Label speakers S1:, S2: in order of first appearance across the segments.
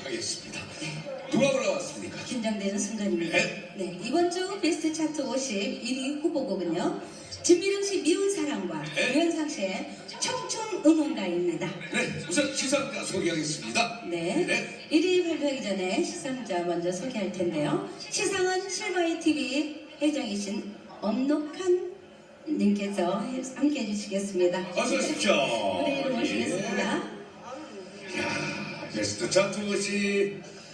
S1: 하겠습니다. 누가 올라왔습니까?
S2: 긴장되는 순간입니다.
S1: 네.
S2: 네, 이번 주 베스트 차트 51위 후보곡은요. 진미령 씨 미운 사랑과
S1: 네.
S2: 유현상 씨의 청춘 응원가입니다.
S1: 네, 우선 시상자 소개하겠습니다.
S2: 네. 1위 발표하기 전에 시상자 먼저 소개할 텐데요. 시상은 실바이 TV 회장이신 엄록한 님께서 함께 해주시겠습니다.
S1: 어서 오십시오.
S2: 무대로 모시겠습니다.
S1: 야, 베스트 차트 것이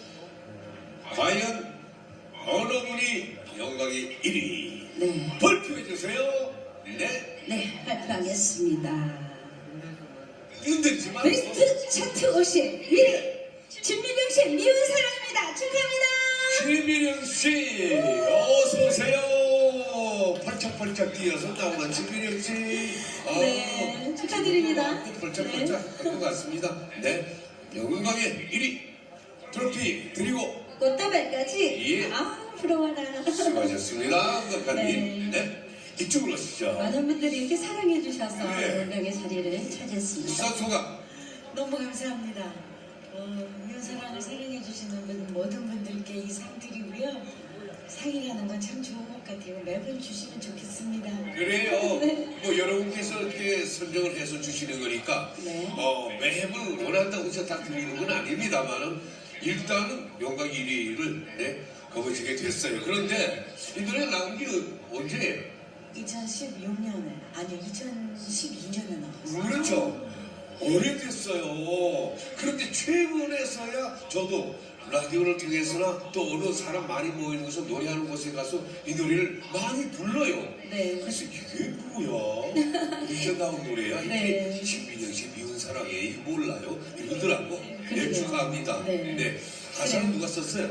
S1: 과연 어느 분이 영광의 1위
S2: 네.
S1: 발표해 주세요. 네.
S2: 네, 발표하겠습니다.
S1: 흔들지 마.
S2: 베스트 차트 51위 진미령 씨 미운 사랑입니다. 축하합니다.
S1: 진미령 씨, 어서 오세요. 펄쩍펄쩍 뛰어서 나오는 진미령 씨.
S2: 네, 축하드립니다.
S1: 펄쩍펄쩍 할 것 같습니다. 네, 영광의 1위 트로피 드리고
S2: 꽃다발까지.
S1: 예.
S2: 아, 부러워라.
S1: 수고하셨습니다. 감독님.
S2: 네.
S1: 네, 이쪽으로 오시죠.
S2: 많은 분들이 이렇게 사랑해 주셔서
S1: 네.
S2: 영광의 자리를 차지했습니다.
S1: 수상 소감.
S3: 너무 감사합니다. 이 사랑을 사랑해 주시는 모든 분들께 이 상 드리고요. 상이라는 건 참 좋은 것 같아요. 매번 주시면 좋겠습니다.
S1: 그래요. 뭐 여러분께서 이렇게 선정을 해서 주시는 거니까
S2: 네.
S1: 매번 원한다고 해서 다 드리는 건 아닙니다만은 일단은 영광 1위를 거머쥐게 됐어요. 그런데 이 노래 나온 게 언제예요?
S3: 2016년에 아니요 2012년에 나왔어요.
S1: 그렇죠. 오래됐어요. 그런데 최근에서야 저도 라디오를 통해서나 또 어느 사람 많이 모이는 곳에서 노래하는 곳에 가서 이 노래를 많이 불러요.
S2: 네.
S1: 그래서 이게 뭐야? 이제 나온 노래야? 이게
S2: 네.
S1: 진미령 씨 미운 사랑에 이게 몰라요? 이러더라고. 네,
S2: 그러게요.
S1: 축하합니다.
S2: 네.
S1: 네. 가사는 누가 썼어요?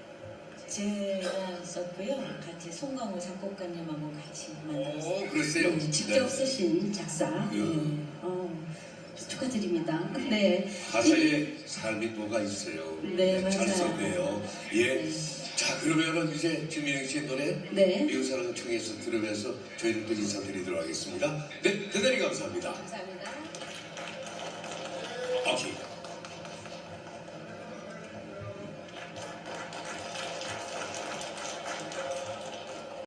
S3: 제가 썼고요. 같이 송강호 작곡가님하고 같이 만들었어요.
S1: 그랬어요?
S2: 네, 직접 쓰신 작사. 네. 축하드립니다. 네.
S1: 가사에 삶이 뭐가 있어요.
S2: 네,
S1: 잘
S2: 맞아요.
S1: 썼네요. 예.
S2: 네.
S1: 자, 그러면은 이제 진미령 씨의 노래
S2: 네.
S1: 미운 사랑을 청해서 들으면서 저희는 또 인사드리도록 하겠습니다. 네, 대단히 감사합니다.
S2: 감사합니다.
S1: 오케이.